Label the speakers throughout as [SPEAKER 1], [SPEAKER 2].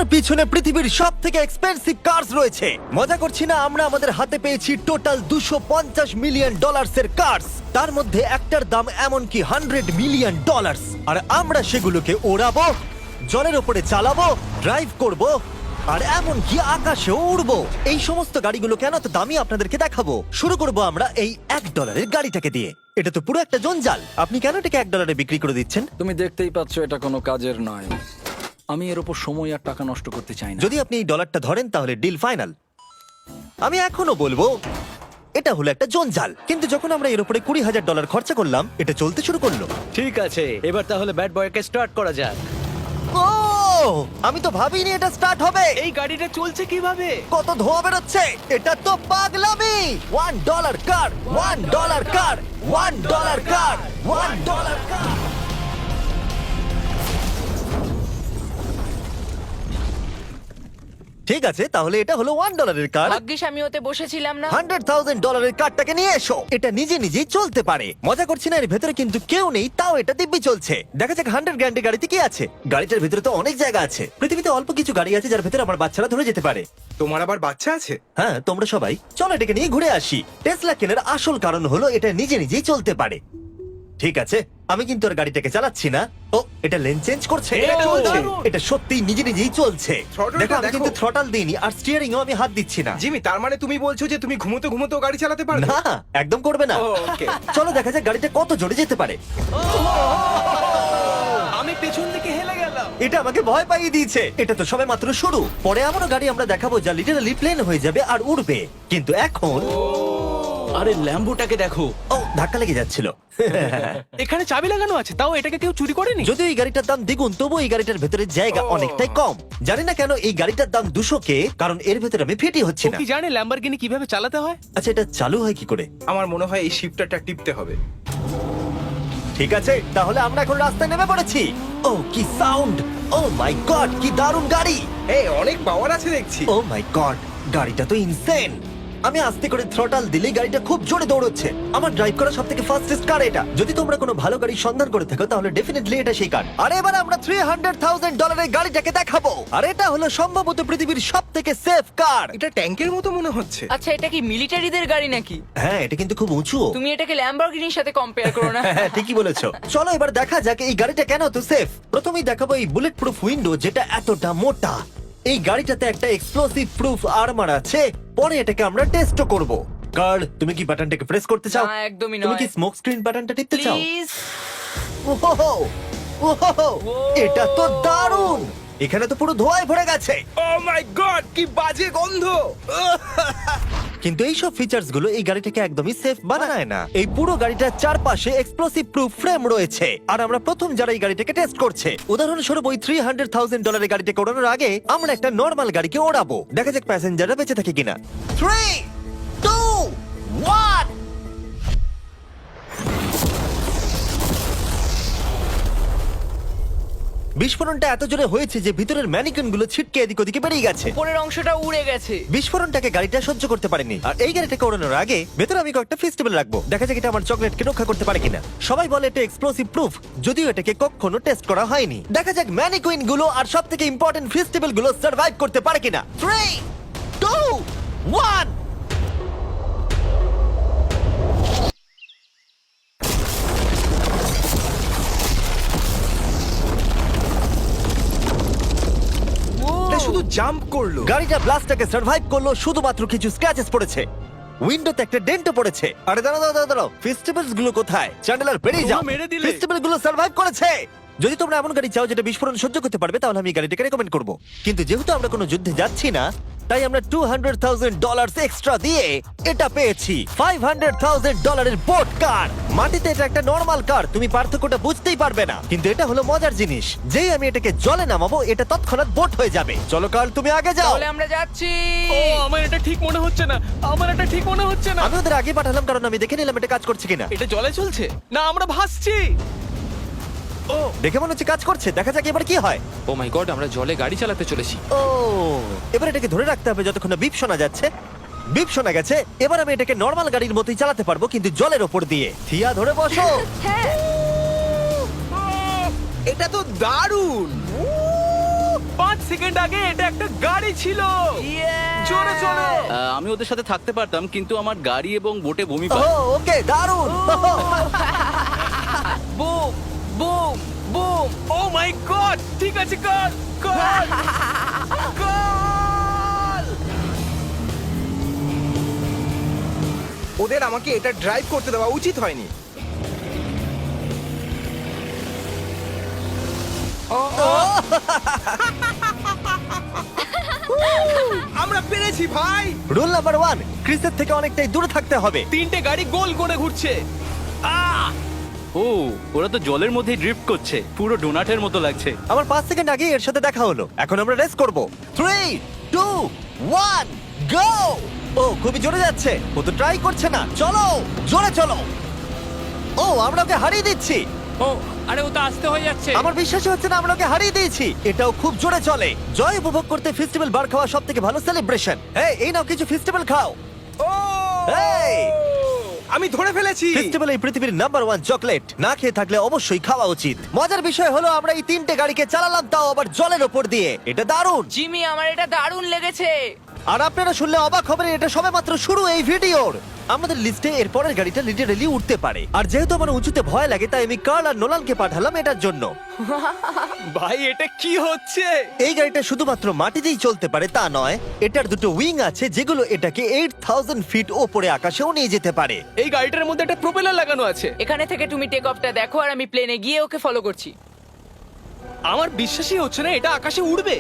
[SPEAKER 1] আমার পিছনে পৃথিবীর সব থেকে এক্সপেন্সিভ কার্স রয়েছে। মজা করছি না, আমরা আমাদের হাতে পেয়েছি টোটাল $250 মিলিয়ন এর কার্স। তার মধ্যে একটার দাম এমনকি $100 মিলিয়ন। আর আমরা সেগুলোকে ওড়াবো, জলের ওপরে চালাবো, ড্রাইভ করব, আর এমনকি আকাশেও উড়বো। এই সমস্ত গাড়িগুলো কেন তো দামি আপনাদেরকে দেখাবো। শুরু করব আমরা এই $1 গাড়িটাকে দিয়ে। এটা তো পুরো একটা জঞ্জাল। আপনি কেন এটাকে $1 বিক্রি করে দিচ্ছেন?
[SPEAKER 2] তুমি দেখতেই পাচ্ছ এটা কোনো কাজের নয়। আমি এর উপর সময় আর টাকা নষ্ট করতে চাই না।
[SPEAKER 1] যদি আপনি এই ডলারটা ধরেন তাহলে ডিল ফাইনাল। আমি এখনো বলবো এটা হলো একটা জঞ্জাল, কিন্তু যখন আমরা এর উপরে $20,000 খরচা করলাম, এটা চলতে শুরু করলো।
[SPEAKER 3] ঠিক আছে, এবার তাহলে ব্যাড বয়কে স্টার্ট করা যাক।
[SPEAKER 1] ও, আমি তো ভাবিনি এটা স্টার্ট হবে।
[SPEAKER 3] এই গাড়িটা চলছে কিভাবে?
[SPEAKER 1] কত ধোঁয়া বেরোচ্ছে, এটা তো পাগলামি। $1 কার, $1 কার, $1 কার, $1 কার। ঠিক আছে, তাহলে এটা হলো $1 কার।
[SPEAKER 4] ভাগ্যিস আমি ওতে বসেছিলাম না।
[SPEAKER 1] $100,000 কারটাকে নিয়ে এসো। এটা নিজে নিজেই চলতে পারে। মজা করছি না, এর ভেতরে কিন্তু কেউ নেই, তাও এটা দিব্যি চলছে। দেখা যাক 100 গ্র্যান্ডের গাড়িতে কি আছে। গাড়িটার ভেতরে তো অনেক জায়গা আছে। পৃথিবীতে অল্প কিছু গাড়ি আছে যার ভেতরে আমার বাচ্চারা ধরে যেতে পারে।
[SPEAKER 5] তোমার আবার বাচ্চা আছে?
[SPEAKER 1] হ্যাঁ, তোমরা সবাই চলো এটাকে নিয়ে ঘুরে আসি। টেসলা কেনার আসল কারণ হলো এটা নিজে নিজেই চলতে পারে। ঠিক আছে, আমি কিন্তু আর গাড়িটাকে চালাচ্ছি না। ও, এটা লেন চেঞ্জ করছে।
[SPEAKER 3] এটা চলছে।
[SPEAKER 1] এটা সত্যিই নিজে নিজেই চলছে।
[SPEAKER 5] Throttle-টা
[SPEAKER 1] দেখো, আমি
[SPEAKER 5] দেখো।
[SPEAKER 1] কিন্তু থ্রটাল দিইনি, আর স্টিয়ারিংও আমি হাত দিচ্ছি না।
[SPEAKER 5] জিমি, তার মানে তুমি বলছো যে তুমি ঘুমোতে ঘুমোতেও গাড়ি চালাতে পারবে?
[SPEAKER 1] না, একদম করবে না।
[SPEAKER 5] ওকে।
[SPEAKER 1] চলো দেখা যাক গাড়িটা কত জোরে যেতে পারে।
[SPEAKER 3] আমি পেছন থেকে হেলে গেলাম।
[SPEAKER 1] এটা আমাকে ভয় পাইয়ে দিয়েছে। এটা তো সবে মাত্র শুরু। পরে এমনও গাড়ি আমরা দেখাবো যা লিটারালি প্লেন হয়ে যাবে আর উড়বে। কিন্তু এখন
[SPEAKER 3] আরে ল্যাম্বোটাকে দেখো,
[SPEAKER 1] ও, ধাক্কা লেগে যাচ্ছিল।
[SPEAKER 3] এখানে চাবি লাগানো আছে, তাও এটাকে কেউ চুরি করেনি।
[SPEAKER 1] যদিও এই গাড়িটার দাম দ্বিগুণ, তবু এই গাড়িটার ভেতরে জায়গা অনেকটাই কম। জানি না কেন এই গাড়িটার দাম 200K, কারণ এর ভেতরে আমি ফিটি হচ্ছি
[SPEAKER 3] ও
[SPEAKER 1] না।
[SPEAKER 3] কি জানে ল্যাম্বরগিনি কিভাবে চালাতে হয়?
[SPEAKER 1] আচ্ছা, এটা চালু হয় কি করে?
[SPEAKER 5] আমার মনে হয় এই শিফটারটা টিপতে হবে।
[SPEAKER 1] ঠিক আছে, তাহলে আমরা এখন রাস্তায় নেমে পড়েছি। ও, কি সাউন্ড! ও মাই গড, কি দারুণ গাড়ি!
[SPEAKER 5] এই অনেক পাওয়ার আছে দেখছি।
[SPEAKER 1] ও মাই গড, গাড়িটা তো ইনসেন। আমি আস্তে করে থ্রটাল দিলেই গাড়িটা খুব জোরে দৌড়চ্ছে। আমার ড্রাইভ করা সবথেকে ফাস্টেস্ট কার এটা। যদি তোমরা কোনো ভালো গাড়ির সন্ধান করে থাকো তাহলে ডেফিনেটলি এটা সেই কার। আর এবার আমরা $300,000 গাড়িটাকে দেখাবো। আর এটা হলো সম্ভবত পৃথিবীর সবথেকে সেফ কার।
[SPEAKER 5] এটা ট্যাঙ্কের মতো মনে হচ্ছে।
[SPEAKER 4] আচ্ছা, এটা কি মিলিটারিদের গাড়ি নাকি?
[SPEAKER 1] হ্যাঁ, এটা কিন্তু খুব উঁচু।
[SPEAKER 4] তুমি এটাকে ল্যাম্বরগিনির সাথে কম্পেয়ার করো না।
[SPEAKER 1] হ্যাঁ, ঠিকই বলেছো। চলো এবার দেখা যাক এই গাড়িটা কেন তো সেফ। প্রথমেই দেখাবো এই বুলেট প্রুফ উইন্ডো, যেটা এতটা মোটা। এই গাড়িটাতে একটা এক্সপ্লোসিভ প্রুফ আর্মার আছে। পরে এটাকে আমরা টেস্টও করব। কার্ল, তুমি কি বাটনটাকে প্রেস করতে চাও?
[SPEAKER 4] না, একদমই
[SPEAKER 1] তুমি
[SPEAKER 4] নয়।
[SPEAKER 1] কি স্মোক স্ক্রিন বাটনটা টিপতে চাও?
[SPEAKER 4] প্লিজ।
[SPEAKER 1] ওহো, ওহো, এটা তো দারুণ। এখানে তো পুরো ধোঁয়ায় ভরে গেছে।
[SPEAKER 5] ও মাই গড, কি বাজে গন্ধ!
[SPEAKER 1] কিন্তু এই সব ফিচার্স গুলো এই গাড়িটাকে একদমই সেফ বানায় না। এই পুরো গাড়িটার চারপাশে এক্সপ্লোসিভ প্রুফ ফ্রেম রয়েছে, আর আমরা প্রথম যারা এই গাড়িটাকে টেস্ট করছে। উদাহরণস্বরূপ ওই $300,000 গাড়িটাকে ওড়ানোর আগে আমরা একটা নর্মাল গাড়িকে ওড়াবো। দেখা যাক প্যাসেঞ্জাররা বেঁচে থাকে কিনা। 3, 2, 1। বিস্ফোরণটা এত জোরে হয়েছে যে ভিতরের ম্যানিকুইন গুলো ছিটকে এদিক ওদিকে বেরিয়ে গেছে।
[SPEAKER 4] উপরের অংশটা উড়ে গেছে।
[SPEAKER 1] বিস্ফোরণটাকে গাড়িটা সহ্য করতে পারেনি। আর এই গাড়িটাকে ওড়ানোর আগে ভেতরে আমি কয়েকটা ফেস্টিভ্যাল রাখবো। দেখা যাক এটা আমার চকলেটকে রক্ষা করতে পারে কিনা। সবাই বলে এটা এক্সপ্লোসিভ প্রুফ, যদিও এটাকে কখনো টেস্ট করা হয়নি। দেখা যাক ম্যানিকুইন গুলো আর সবথেকে ইম্পর্টেন্ট ফেস্টিভ্যাল গুলো সার্ভাইভ করতে পারে কিনা। 3, 2, 1।
[SPEAKER 5] এটা শুধু জাম্প করলো।
[SPEAKER 1] গাড়িটা ব্লাস্টটাকে সার্ভাইভ করলো, শুধুমাত্র কিছু স্ক্র্যাচেস পড়েছে। উইন্ডোতে একটা ডেন্টও পড়েছে। আরে দাঁড়াও, ফেস্টিভ্যালস গুলো কোথায়? চ্যান্ডেলার বেরিয়ে যাও।
[SPEAKER 3] তোমরা মেরে দিলে।
[SPEAKER 1] ফেস্টিভ্যাল গুলো সার্ভাইভ করেছে। যদি তোমরা এমন গাড়ি চাও যেটা বিস্ফোরণ সহ্য করতে পারবে, তাহলে আমি এই গাড়িটাকে রেকমেন্ড করব। কিন্তু যেহেতু আমরা কোনো যুদ্ধে যাচ্ছি না, তাই আমরা $200,000 এক্সট্রা দিয়ে এটা পেয়েছি। $500,000 এর বোট কার। মাটিতে এটা একটা নর্মাল কার, তুমি পার্থক্যটা বুঝতেই পারবে না। কিন্তু এটা হলো মজার জিনিস, যেই আমি এটাকে জলে নামাবো এটা তৎক্ষণাৎ বোট হয়ে যাবে। চলো কার, তুমি আগে যাও।
[SPEAKER 4] তাহলে আমরা যাচ্ছি।
[SPEAKER 3] ও, আমার এটা ঠিক মনে হচ্ছে না, আমার এটা ঠিক মনে হচ্ছে না।
[SPEAKER 1] আমি ওদের আগে পাঠালাম কারণ আমি দেখে নিলাম এটা কাজ করছে কিনা।
[SPEAKER 3] এটা জলে চলছে না, আমরা ভাসছি। ও,
[SPEAKER 1] দেখে মনে হচ্ছে কাজ করছে। দেখা যাক এবার কি হয়।
[SPEAKER 6] ও মাই গড, আমরা জলে গাড়ি চালাতে চলেছি।
[SPEAKER 1] ও, এবার এটাকে ধরে রাখতে হবে যতক্ষণ না বিপ শোনা যাচ্ছে। বিপ শোনা গেছে। এবার আমি এটাকে নর্মাল গাড়ির মতোই চালাতে পারবো, কিন্তু জলের ওপর দিয়ে। থিয়া, ধরে বসো।
[SPEAKER 4] হ্যাঁ।
[SPEAKER 5] এটা তো দারুণ!
[SPEAKER 3] 5 সেকেন্ড আগে এটা একটা গাড়ি ছিল। জোরে চলো।
[SPEAKER 7] আমি ওদের সাথে থাকতে পারতাম কিন্তু আমার গাড়ি এবং বোটে বমি
[SPEAKER 1] ও
[SPEAKER 7] পায়।
[SPEAKER 1] ওকে দারুণ
[SPEAKER 4] boom boom boom.
[SPEAKER 3] Oh my god, ঠিক আছে, কর কর কর।
[SPEAKER 5] ওদের আমাকে এটা ড্রাইভ করতে দেওয়া উচিত হয়নি। আমরা পেরেছি ভাই।
[SPEAKER 1] রুল নাম্বার 1, ক্রিসের থেকে অনেকটাই দূরে থাকতে হবে।
[SPEAKER 3] 3টে গাড়ি গোল করে ঘুরছে।
[SPEAKER 7] ও ওরা তো জলের মধ্যেই ড্রিফট করছে, পুরো ডোনাটের মতো লাগছে।
[SPEAKER 1] আমার 5 সেকেন্ড আগে এর সাথে দেখা হলো। এখন আমরা রেস করব। 3 2 1 গো। ও খুবই জোরে যাচ্ছে। ও তো ট্রাই করছে না। চলো জোরে চলো। ও আমরা ওকে হারিয়ে দিচ্ছি।
[SPEAKER 6] ও আরে ও তো আসতে হয়ে যাচ্ছে।
[SPEAKER 1] আমার বিশ্বাসই হচ্ছে না আমরা ওকে হারিয়ে দিয়েছি। এটাও খুব জোরে চলে। জয় উপভোগ করতে ফেস্টিভ্যাল বার খাওয়া সব থেকে ভালো সেলিব্রেশন। এই নাও কিছু ফেস্টিভ্যাল খাও।
[SPEAKER 5] ও
[SPEAKER 1] এই
[SPEAKER 5] আমি ধরে ফেলেছি।
[SPEAKER 1] ফেস্টিভ্যাল এই পৃথিবীর নাম্বার 1 চকলেট। না খেয়ে থাকলে অবশ্যই খাওয়া উচিত। মজার বিষয় হলো আমরা এই 3টে গাড়িকে চালালাম, তাও আবার জলের ওপর দিয়ে। এটা দারুণ।
[SPEAKER 4] জিমি, আমার এটা দারুণ লেগেছে।
[SPEAKER 1] আর আপনারা শুনলে অবাক হবেন, এটা সবেমাত্র শুরু এই ভিডিওর। আমাদের লিস্টে এর পরের গাড়িটা লিটারালি উঠতে পারে। আর যেহেতু আমার উঁচুতে ভয় লাগে, তাই আমি কার্ল আর নোলানকে পাঠালাম এটার জন্য।
[SPEAKER 3] ভাই এটা কি হচ্ছে?
[SPEAKER 1] এই গাড়িটা শুধুমাত্র মাটিতেই চলতে পারে তা নয়, এটার দুটো উইং আছে যেগুলো এটাকে 8000 ফিট ওপরে আকাশেও নিয়ে যেতে পারে।
[SPEAKER 3] এই গাড়িটার মধ্যে একটা প্রপেলার লাগানো আছে।
[SPEAKER 4] এখানে থেকে তুমি টেক অফটা দেখো আর আমি প্লেনে গিয়ে ওকে ফলো করছি।
[SPEAKER 3] আমার বিশ্বাসই হচ্ছে না এটা আকাশে উড়বে।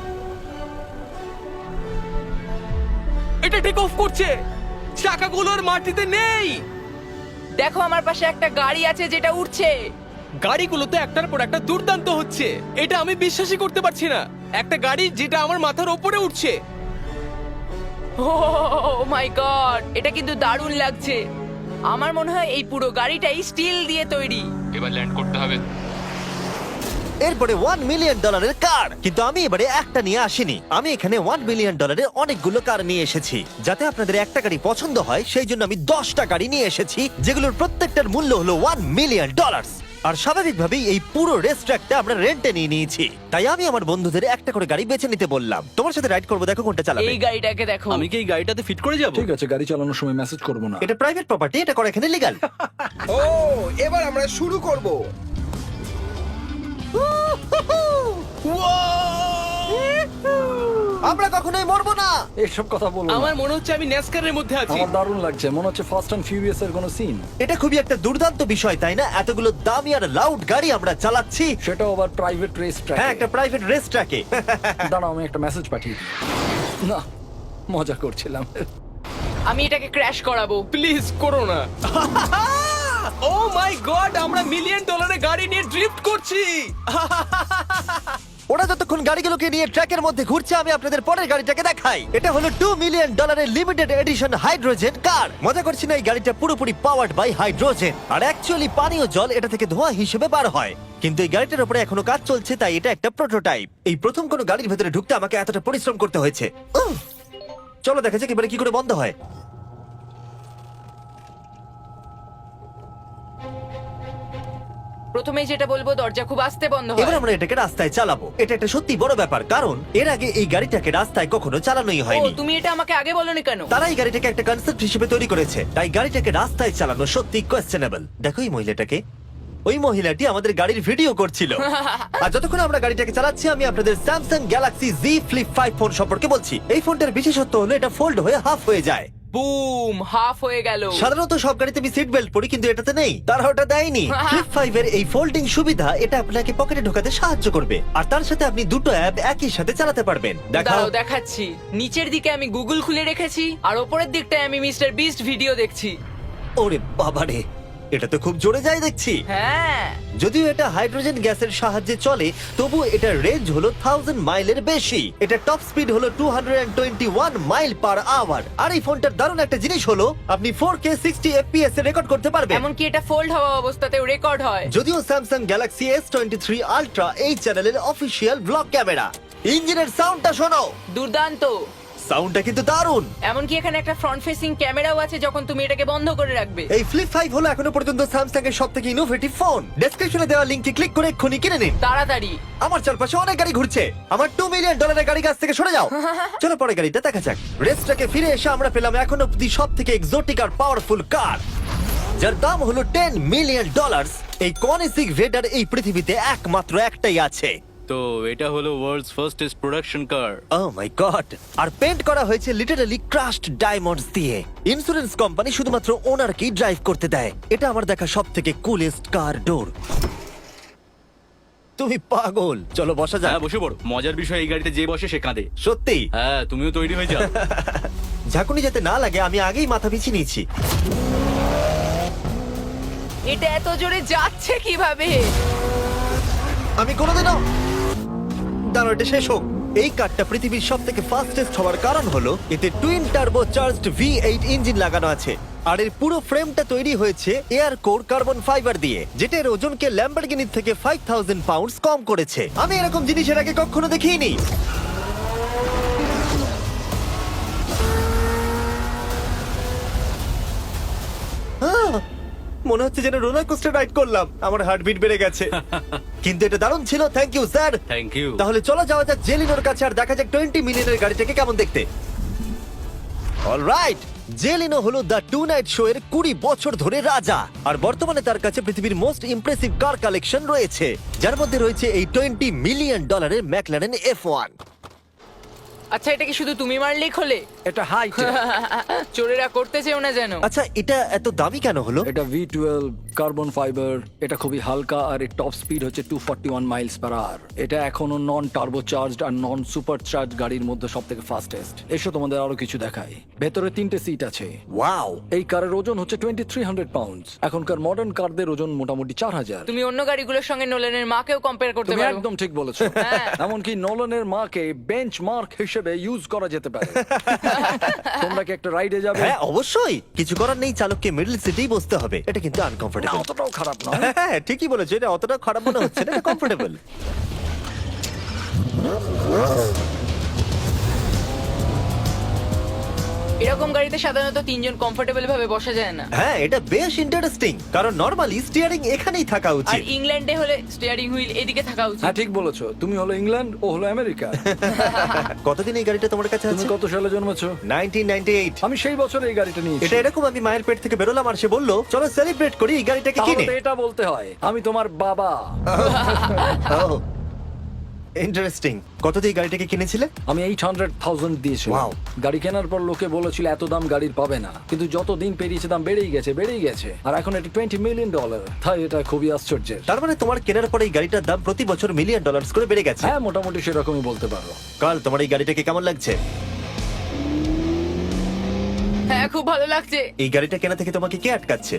[SPEAKER 3] এটা টেক অফ করছে, চাকাগুলোর মাটিতে নেই।
[SPEAKER 4] দেখো আমার পাশে একটা গাড়ি আছে যেটা উঠছে।
[SPEAKER 3] গাড়িগুলো তো একটার পর একটা দুর্দান্ত হচ্ছে। এটা আমি বিশ্বাসই করতে পারছি না, একটা গাড়ি যেটা আমার মাথার ওপরে উঠছে।
[SPEAKER 4] ও মাই গড, এটা কিন্তু দারুণ লাগছে। আমার মনে হয় এই পুরো গাড়িটাই স্টিল দিয়ে তৈরি।
[SPEAKER 6] এবার ল্যান্ড করতে হবে।
[SPEAKER 1] এরপরে $1 মিলিয়ন কার। কিন্তু আমি এবারে একটা নিয়ে আসিনি। আমি এখানে $1 মিলিয়ন অনেকগুলো কার নিয়ে এসেছি। যাতে আপনাদের একটা গাড়ি পছন্দ হয় সেই জন্য আমি 10টা গাড়ি নিয়ে এসেছি, যেগুলোর প্রত্যেকটার মূল্য হলো $1 মিলিয়ন। আর স্বাভাবিকভাবেই এই পুরো রেস ট্র্যাকটা আমরা রেন্টে নিয়ে নিয়েছি। তাই আমি আমার বন্ধুদের একটা করে গাড়ি বেছে নিতে বললাম। তোমার সাথে রাইড করবো, দেখো কোনটা চালাবে।
[SPEAKER 4] এই গাড়িটাকে দেখো।
[SPEAKER 7] আমি কি এই গাড়িটাতে ফিট করে যাব?
[SPEAKER 2] ঠিক আছে, গাড়ি চালানোর সময় মেসেজ করবো না।
[SPEAKER 1] এটা প্রাইভেট প্রপার্টি, এটা করা এখানে লিগ্যাল।
[SPEAKER 5] ও এবার আমরা শুরু করব।
[SPEAKER 1] আমরা কখনোই মরবো না।
[SPEAKER 2] এসব কথা বলো না।
[SPEAKER 3] আমার মনে হচ্ছে আমি ন্যাসকারের মধ্যে আছি।
[SPEAKER 2] আমার দারুণ লাগছে, মনে হচ্ছে ফাস্ট অ্যান্ড ফিউরিয়াস এর কোনো সিন।
[SPEAKER 1] এটা খুবই একটা দুর্দান্ত বিষয়, তাই না? এতগুলো দামি আর লাউড গাড়ি আমরা চালাচ্ছি।
[SPEAKER 2] সেটাও আবার প্রাইভেট রেস ট্র্যাক।
[SPEAKER 1] হ্যাঁ, একটা প্রাইভেট রেস ট্র্যাকে।
[SPEAKER 2] দাঁড়াও, আমি একটা মেসেজ পাঠিয়ে দিই। না, মজা করছিলাম।
[SPEAKER 4] আমি এটাকে ক্র্যাশ করাবো।
[SPEAKER 3] প্লিজ করো না। ও মাই গড, আমরা $1 মিলিয়ন গাড়ি নিয়ে ড্রিফট করছি।
[SPEAKER 1] ওরা যতক্ষণ গাড়িগুলোকে নিয়ে ট্র্যাকের মধ্যে ঘুরছে, আমি আপনাদের পরের গাড়িটাকে দেখাই। এটা হলো $2 million limited edition hydrogen car. মজা করছি না, এই গাড়িটা পুরোপুরি পাওয়ার্ড বাই হাইড্রোজেন। আর অ্যাকচুয়ালি পানীয় জল এটা থেকে ধোঁয়া হিসেবে বার হয়। কিন্তু এই গাড়িটার উপরে এখনো কাজ চলছে, তাই এটা একটা প্রোটোটাইপ। এই প্রথম কোনো গাড়ির ভেতরে ঢুকতে আমাকে এতটা পরিশ্রম করতে হয়েছে। চলো দেখা যাক এবারে কি করে বন্ধ হয়।
[SPEAKER 4] প্রথমেই যেটা বলবো, দরজা খুব আস্তে বন্ধ
[SPEAKER 1] এবার
[SPEAKER 4] হয়।
[SPEAKER 1] আমরা এটাকে রাস্তায় চালাবো। এটা একটা সত্যি বড় ব্যাপার, কারণ এর আগে এই গাড়িটাকে রাস্তায় কখনো চালানোই
[SPEAKER 4] ও,
[SPEAKER 1] হয়নি।
[SPEAKER 4] তুমি এটা আমাকে আগে বলনি কেন?
[SPEAKER 1] তারা এই গাড়িটাকে একটা কনসেপ্ট হিসেবে তৈরি করেছে, তাই গাড়িটাকে রাস্তায় চালানো সত্যি কোয়েশ্চেনেবল। দেখো এই মহিলাটাকে, ওই মহিলাটি আমাদের গাড়ির ভিডিও করছিল। আর যতক্ষণ আমরা গাড়িটাকে চালাচ্ছি, আমি আপনাদের Samsung Galaxy Z Flip 5 phone সম্পর্কে বলছি। এই ফোনটার বিশেষত্ব হলো এটা ফোল্ড হয়ে হাফ হয়ে যায়।
[SPEAKER 4] বুম, হাফ হয়ে গেল।
[SPEAKER 1] সাধারণত সব গাড়িতে আমি সিট বেল্ট পরি, কিন্তু এটাতে নেই। তারা ওটা দেয়নি। ফ্লিপ 5 এর এই ফোল্ডিং সুবিধা এটা আপনাকে পকেটে ঢোকাতে সাহায্য করবে। আর তার সাথে আপনি দুটো অ্যাপ একই সাথে চালাতে পারবেন। দেখাও।
[SPEAKER 4] দাঁড়াও দেখাচ্ছি। নিচের দিকে আমি গুগল খুলে রেখেছি, আর ওপরের দিকটায় আমি মিস্টার বিস্ট ভিডিও দেখছি।
[SPEAKER 1] ওরে বাবারে, এটা তো খুব জোরে যায় দেখছি।
[SPEAKER 4] হ্যাঁ,
[SPEAKER 1] যদিও এটা হাইড্রোজেন গ্যাসের সাহায্যে চলে, তবু এটার রেঞ্জ হলো 1000 মাইলের বেশি। এটা টপ স্পিড হলো 221 মাইল পার আওয়ার। আর এই ফোনটার দারুণ একটা জিনিস হলো আপনি 4K 60 FPS এ রেকর্ড করতে পারবেন।
[SPEAKER 4] এমনকি এটা ফোল্ড হওয়া অবস্থাতেও রেকর্ড হয়।
[SPEAKER 1] যদিও স্যামসাং গ্যালাক্সি S23 আলট্রা এই চ্যানেলের অফিসিয়াল ব্লগ ক্যামেরা। ইঞ্জিনের সাউন্ডটা শোনো।
[SPEAKER 4] দুর্দান্ত।
[SPEAKER 1] সাউন্ডটা কিন্তু দারুণ।
[SPEAKER 4] এমনকি এখানে একটা ফ্রন্ট ফেসিং ক্যামেরাও আছে যখন তুমি এটাকে বন্ধ করে রাখবে।
[SPEAKER 1] এই ফ্লিপ 5 হলো এখনো পর্যন্ত স্যামসাং এর সবথেকে ইনোভেটিভ ফোন। ডেসক্রিপশনে দেওয়া লিংকে ক্লিক করে এক্ষুনি কিনে নিন।
[SPEAKER 4] তাড়াতাড়ি।
[SPEAKER 1] আমার চারপাশে অনেক গাড়ি ঘুরছে। আমার $2 মিলিয়ন গাড়ি কাছ থেকে সরে যাও। চলো পরে গাড়িটা দেখা যাক। রেসটাকে ফিরে এসে আমরা পেলাম এখন অব্দি সব থেকে এক্সোটিক আর পাওয়ারফুল কার, যার দাম হলো $10 মিলিয়ন। এই কনিসিক ভেডার এই পৃথিবীতে একমাত্র একটাই আছে।
[SPEAKER 7] তো এটা হলো world's fastest production car.
[SPEAKER 1] Oh my god! আর পেন্ট করা হয়েছে লিটারালি ক্রাশড ডায়মন্ডস দিয়ে। ইন্স্যুরেন্স কোম্পানি শুধুমাত্র ওনারকেই ড্রাইভ করতে দেয়। এটা আমার দেখা সব থেকে কুলেস্ট কার ডোর। তুমি পাগল। চলো বসা যাক।
[SPEAKER 7] হ্যাঁ বসে পড়ো। মজার বিষয় এই গাড়িতে যে বসে সে কাঁদে।
[SPEAKER 1] সত্যি
[SPEAKER 7] হ্যাঁ তুমিও তৈরি হয়ে যাও।
[SPEAKER 1] ঝাঁকুনি যাতে না লাগে আমি আগেই মাথা পিছিয়ে নিয়েছি।
[SPEAKER 4] এটা এত জোরে যাচ্ছে কিভাবে?
[SPEAKER 1] আমি কোনোদিনও দাঁড়ো, এটা শেষ হোক। এই কারটা পৃথিবীর সব থেকে ফাস্টেস্ট হওয়ার কারণ হলো এতে twin turbo charged V8 engine লাগানো আছে। আর এর পুরো ফ্রেমটা তৈরি হয়েছে এয়ার কোর কার্বন ফাইবার দিয়ে, যেটা এর ওজনকে ল্যাম্বরগিনির থেকে 5000 পাউন্ডস কম করেছে। আমি এরকম জিনিসের আগে কখনো দেখিনি। মনে হচ্ছে যেন রোলার কোস্টার রাইড করলাম। আমার হার্টবিট বেড়ে গেছে। কিন্তু এটা দারুণ ছিল। Thank you sir.
[SPEAKER 7] Thank you.
[SPEAKER 1] তাহলে চলো যাওয়া যাক জেলিনোর কাছে আর দেখা যাক 20 মিলিয়নের গাড়িটাকে কেমন দেখতে। অলরাইট, জেলিনো হলো দ্য টু নাইট শো এর 20 বছর ধরে রাজা। আর বর্তমানে তার কাছে পৃথিবীর মোস্ট ইমপ্রেসিভ কার কালেকশন রয়েছে, যার মধ্যে রয়েছে এই $20 মিলিয়ন ম্যাকলারেন F1।
[SPEAKER 4] আচ্ছা, এটা কি শুধু তুমি মারলেই খোলে?
[SPEAKER 2] এটা হাইট।
[SPEAKER 4] চোরেরা করতে চেও না যেন।
[SPEAKER 1] আচ্ছা, এটা এত দামি কেন হলো?
[SPEAKER 2] এটা V12 কার্বন ফাইবার। এটা খুবই হালকা আর এর টপ স্পিড হচ্ছে 241 মাইলস পার আওয়ার। এটা এখনো নন টার্বো চার্জড আর নন সুপার চার্জ গাড়ির মধ্যে সবথেকে ফাস্টেস্ট। এসো তোমাদের আরো কিছু দেখাই। ভেতরে 3টে সিট আছে।
[SPEAKER 1] ওয়াও!
[SPEAKER 2] এই কারের ওজন হচ্ছে 2300 পাউন্ডস। এখনকার মডার্ন কারদের ওজন মোটামুটি 4000।
[SPEAKER 4] তুমি অন্য গাড়িগুলোর সঙ্গে নোলেনের মাকেও কম্পেয়ার করতে
[SPEAKER 2] তুমি
[SPEAKER 4] পারো।
[SPEAKER 2] একদম ঠিক বলেছো। এমনকি নোলানের মাকে বেঞ্চমার্ক হিসেবে ইউজ করা যেতে পারে। তোমরা কি একটা রাইডে যাবে?
[SPEAKER 1] হ্যাঁ অবশ্যই। কিছু করার নেই, চালককে মিডল সিটেই বসতে হবে। এটা কিন্তু
[SPEAKER 2] না,
[SPEAKER 1] আনকমফোর্টেবল।
[SPEAKER 2] অতটাও খারাপ নয়।
[SPEAKER 1] হ্যাঁ ঠিকই বলেছো, এটা অতটা খারাপ মনে হচ্ছে না, এটা কমফোর্টেবল।
[SPEAKER 4] এরকম গাড়িতে সাধারণত 3 জন কমফোর্টেবল ভাবে বসা যায় না।
[SPEAKER 1] হ্যাঁ এটা বেশ ইন্টারেস্টিং, কারণ নরমালি স্টিয়ারিং এখানেই থাকা
[SPEAKER 4] আর
[SPEAKER 1] উচিত।
[SPEAKER 4] ইংল্যান্ডে হলে স্টিয়ারিং হুইল এদিকে থাকা উচিত।
[SPEAKER 2] হ্যাঁ ঠিক বলেছো। তুমি হলো ইংল্যান্ড, ও হলো আমেরিকা।
[SPEAKER 1] কতদিন এই গাড়িটা তোমার কাছে
[SPEAKER 2] তুমি
[SPEAKER 1] আছে?
[SPEAKER 2] কত সালে জন্মেছো?
[SPEAKER 1] 1998।
[SPEAKER 2] আমি সেই বছর এই গাড়িটা নিয়েছি।
[SPEAKER 1] এটা এরকম আমি মায়ের পেট থেকে বেরোলাম আর সে বললো চলো সেলিব্রেট করি এই গাড়িটাকে
[SPEAKER 2] তাহলে
[SPEAKER 1] কিনে।
[SPEAKER 2] তো এটা বলতে হয় আমি তোমার বাবা।
[SPEAKER 1] ইন্টারেস্টিং। কত দিয়ে এই গাড়িটাকে কিনেছিলে?
[SPEAKER 2] আমি 800,000 দিয়েছিলাম।
[SPEAKER 1] Wow.
[SPEAKER 2] গাড়ি কেনার পর লোকে বলেছিল এত দাম গাড়ির পাবে না, কিন্তু যত দিন পেরিয়েছে দাম বেড়েই গেছে। আর এখন এটা $20 মিলিয়ন। তাই এটা খুবই আশ্চর্যের।
[SPEAKER 1] তার মানে তোমার কেনার পরে এই গাড়িটার দাম প্রতি বছর $1 মিলিয়ন করে বেড়ে গেছে।
[SPEAKER 2] হ্যাঁ মোটামুটি সেরকমই বলতে পারো।
[SPEAKER 1] কাল তোমার এই গাড়িটাকে কেমন লাগছে?
[SPEAKER 4] হ্যাঁ খুব ভালো লাগছে।
[SPEAKER 1] এই গাড়িটা কেনা থেকে তোমাকে কে আটকাচ্ছে?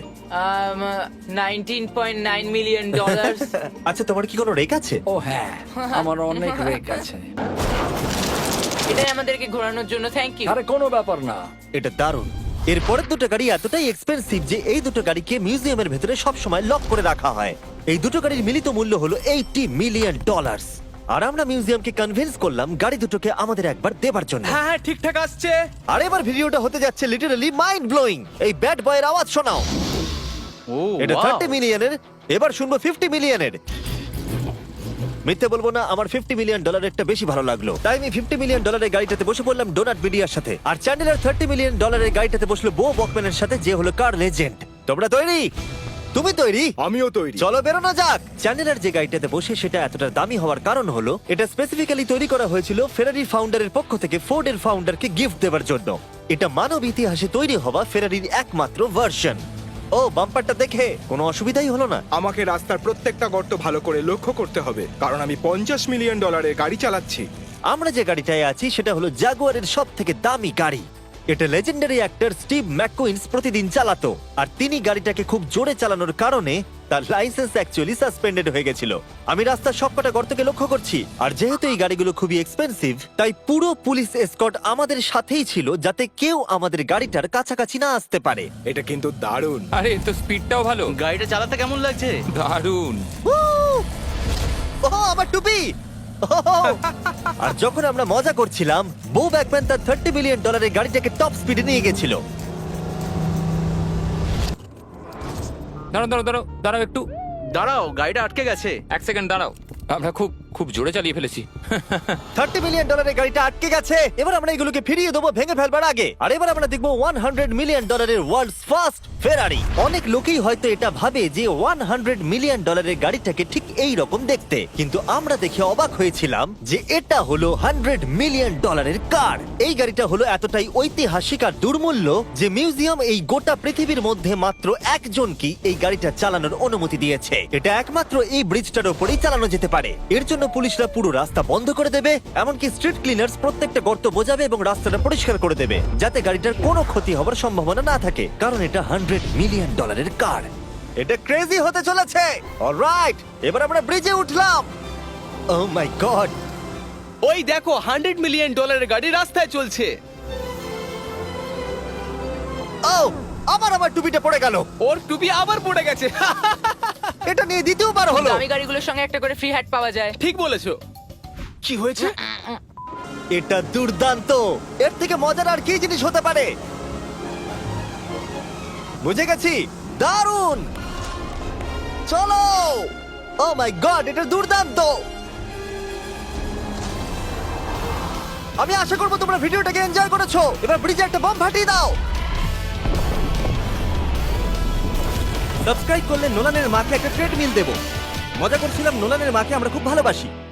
[SPEAKER 4] $19.9 মিলিয়ন।
[SPEAKER 1] আচ্ছা তোমার কি কোনো রেক আছে?
[SPEAKER 2] ও হ্যাঁ, আমার অনেক রেক আছে।
[SPEAKER 4] এটাই আমাদেরকে ঘোরানোর জন্য থ্যাংক ইউ।
[SPEAKER 2] আরে কোনো ব্যাপার না।
[SPEAKER 1] এটা দারুণ। এরপরের দুটো গাড়ি এতটাই এক্সপেন্সিভ যে এই দুটো গাড়িকে মিউজিয়ামের ভেতরে সব সময় লক করে রাখা হয়। এই দুটো গাড়ির মিলিত মূল্য হলো $80 মিলিয়ন। আর আমরা মিউজিয়ামকে কনভিন্স করলাম গাড়ি দুটোকে আমাদের একবার দেবার জন্য।
[SPEAKER 3] হ্যাঁ হ্যাঁ ঠিকঠাক আসছে।
[SPEAKER 1] আর এবার ভিডিওটা হতে যাচ্ছে লিটারালি মাইন্ড ব্লোয়িং। এই ব্যাড বয়ের আওয়াজ শোনাও।
[SPEAKER 7] ও
[SPEAKER 1] এটা
[SPEAKER 7] wow!
[SPEAKER 1] 30 মিলিয়নের, এবার শুনবো 50 মিলিয়নের। মিথ্যে বলবো না, আমার $50 মিলিয়ন বেশি ভালো লাগলো, তাই আমি $50 মিলিয়ন গাড়িটাতে বসে পড়লাম ডোনাট মিডিয়ার সাথে। আর চ্যান্ডেলার $30 মিলিয়ন গাড়িটাতে বসলো বো বকম্যানের সাথে, যে হলো কার লেজেন্ড। তোমরা তৈরি? তুমি তৈরি?
[SPEAKER 5] আমিও তৈরি।
[SPEAKER 1] চলো বেরোনো যাক। চ্যান্ডেলার যে গাড়িটাতে বসে সেটা এতটা দামি হওয়ার কারণ হলো এটা স্পেসিফিক্যালি তৈরি করা হয়েছিল ফেরারি ফাউন্ডারের পক্ষ থেকে ফোর্ডের ফাউন্ডারকে গিফট দেওয়ার জন্য। এটা মানব ইতিহাসে তৈরি হওয়া ফেরারির একমাত্র ভার্সন। ও বাম্পারটা দেখে কোনো অসুবিধাই হলো না?
[SPEAKER 5] আমাকে রাস্তার প্রত্যেকটা গর্ত ভালো করে লক্ষ্য করতে হবে, কারণ আমি $50 মিলিয়ন গাড়ি চালাচ্ছি।
[SPEAKER 1] আমরা যে গাড়িটায় আছি সেটা হলো জাগুয়ারের সব থেকে দামি গাড়ি। এটা লেজেন্ডারি অ্যাক্টর স্টিভ ম্যাককুইন্স প্রতিদিন চালাতো, আর তিনি গাড়িটাকে খুব জোরে চালানোর কারণে তার লাইসেন্স অ্যাকচুয়ালি সাসপেন্ডেড হয়ে গেছিল। আমি রাস্তার সবকটা গর্তকে লক্ষ্য করছি, আর যেহেতু এই গাড়িগুলো খুবই এক্সপেন্সিভ তাই পুরো পুলিশ এসকর্ট আমাদের সাথেই ছিল, যাতে কেউ আমাদের গাড়িটার কাছাকাছি না আসতে পারে।
[SPEAKER 5] এটা কিন্তু দারুণ।
[SPEAKER 6] আরে এর তো স্পিডটাও ভালো।
[SPEAKER 7] গাড়িটা চালাতে কেমন লাগছে?
[SPEAKER 6] দারুণ।
[SPEAKER 1] ও আমার টুপি! আর যখন আমরা মজা করছিলাম, বো ব্যাকম্যান তার $30 মিলিয়ন গাড়িটাকে টপ স্পিডে নিয়ে গেছিল।
[SPEAKER 6] দাঁড়াও দাঁড়াও দাঁড়াও দাঁড়াও একটু।
[SPEAKER 7] দাঁড়াও, গাড়িটা আটকে গেছে।
[SPEAKER 6] এক সেকেন্ড দাঁড়াও, আমরা খুব খুব জোরে চালিয়ে ফেলেছি।
[SPEAKER 1] $30 মিলিয়ন গাড়িটা আটকে গেছে। এবার আমরা এগুলোকে ফিরিয়ে দেবো ভেঙে ফেলবার আগে। আর এবার আমরা দেখবো $100 মিলিয়ন ওয়ার্ল্ডস ফার্স্ট ফেরারি। অনেক লোকেই হয়তো এটা ভাবে যে $100 মিলিয়ন গাড়িটাকে ঠিক এই রকম দেখতে, কিন্তু আমরা দেখে অবাক হয়েছিলাম যে এটা হলো $100 মিলিয়ন কার। এই গাড়িটা হলো এতটাই ঐতিহাসিক আর দুর্মূল্য যে মিউজিয়াম এই গোটা পৃথিবীর মধ্যে মাত্র একজনকেই এই গাড়িটা চালানোর অনুমতি দিয়েছে। এটা একমাত্র এই ব্রিজটার উপরেই চালানো যেতে পারে। এর জন্য পুলিশরা পুরো রাস্তা বন্ধ করে দেবে, এমনকি স্ট্রিট ক্লিনার্স প্রত্যেকটা গর্ত বোঝাবে এবং রাস্তাটা পরিষ্কার করে দেবে, যাতে গাড়িটার কোনো ক্ষতি হবার সম্ভাবনা না থাকে, কারণ এটা $100 মিলিয়ন কার। এটা ক্রেজি হতে চলেছে। অলরাইট, এবার আমরা ব্রিজে উঠলাম। ও মাই গড,
[SPEAKER 3] ওই দেখো $100 মিলিয়ন গাড়ি রাস্তায় চলছে।
[SPEAKER 1] ও আমার টুপিটা পড়ে গেল।
[SPEAKER 3] ওর টুপি আবার পড়ে গেছে।
[SPEAKER 1] এটা নিয়ে দ্বিতীয়বার হলো।
[SPEAKER 4] দামি গাড়িগুলোর সঙ্গে একটা করে ফ্রি হ্যাট পাওয়া যায়।
[SPEAKER 3] ঠিক বলেছো। কি হয়েছে?
[SPEAKER 1] এটা দুর্দান্ত। এর থেকে মজার আর কি জিনিস হতে পারে? বুঝে গেছি, দারুণ। চলো। ও মাই গড, এটা দুর্দান্ত। আমি আশা করবো তোমরা ভিডিওটাকে এনজয় করেছো। এবার ব্রিজে একটা বম ফাটিয়ে দাও। সাবস্ক্রাইব করলে নোলানের মাকে একটা ট্রেডমিল দেবো। মজা করছিলাম, নোলানের মাকে আমরা খুব ভালোবাসি।